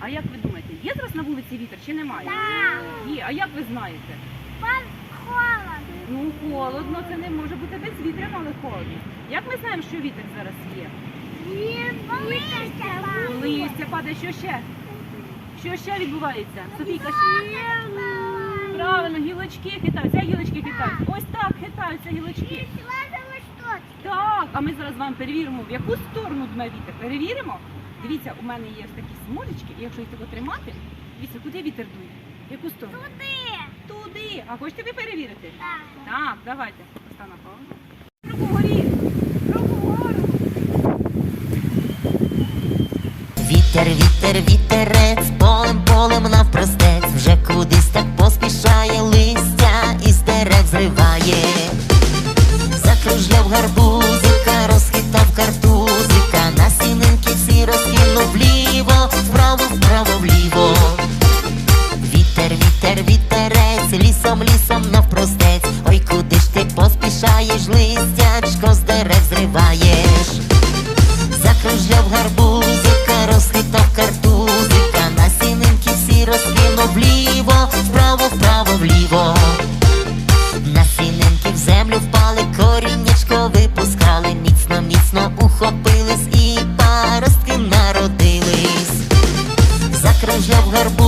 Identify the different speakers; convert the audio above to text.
Speaker 1: А як ви думаєте, є зараз на вулиці вітер чи немає? Є. А як ви знаєте?
Speaker 2: Холодно.
Speaker 1: Ну, холодно, це не може бути без вітря, але холодно. Як ми знаємо, що вітер зараз є? Листя падає, що ще? Що ще відбувається? Софійка, правильно, гілочки хитаються. Як гілочки хитаються? Ось так хитаються гілочки. Так, а ми зараз з вами перевіримо, в яку сторону дме вітер. Перевіримо? Дивіться, у мене є ось такі смужечки, і якщо їх тако тримати, дивіться, куди вітер дує? В яку сторону? Туди. А хочете ви перевірити? Так, давайте. Постав на паузу. Руку вгорі. Руку вгору.
Speaker 3: Вітер, вітер, вітерець, полем навпростець, вже кудись так поспішає, листя із дерев зриває. Закружляв гарбузика, розхитав картузика, насінинки всі розкинув вліво, вправо, вліво. Вітер, вітер, вітерець, лісом навпростець, ой, куди ж ти поспішаєш, листячко з дерев зриваєш. Закружляв гарбузика, розхитав картузика, насінинки всі розкинув вліво, вправо, вліво. Насінинки в землю впали, коріннячко випускали, міцно ухопились і паростки народились. Закружляв гарбузика,